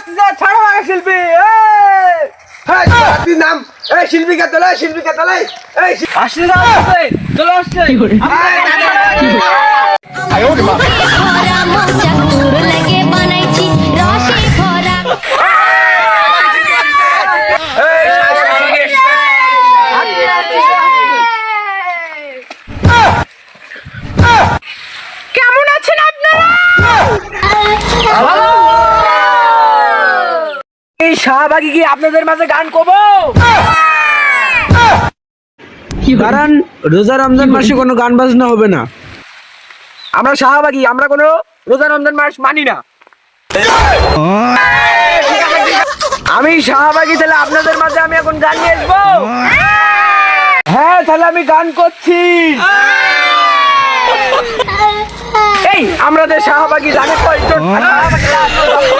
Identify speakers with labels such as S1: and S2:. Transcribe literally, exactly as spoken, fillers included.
S1: আসতেছে, ছাড়ো আগে শিল্পী।
S2: হ্যাঁ তুই নাম এই শিল্পীকে তোলে শিল্পীকে তোলে এই
S1: আসতেছে আসতেছে চলে আসছে।
S3: ভরা মনটা তোর লাগে বানাইছি রসে ভরা
S4: কেমন আছেন আপনারা?
S1: এই শাহবাগী কি আপনাদের মাঝে গান করবো?
S2: কারণ রোজা রমজান মাসে কোনো গান বাজনা হবে না।
S1: আমরা শাহবাগী, আমরা কোনো রোজা রমজান মাস মানি না। আমি শাহবাগী, তাহলে আপনাদের মাঝে আমি এখন গান নিয়ে আসবো। হ্যাঁ তাহলে আমি গান করছি। এই আমরা যে শাহবাগী জানে কয়জন?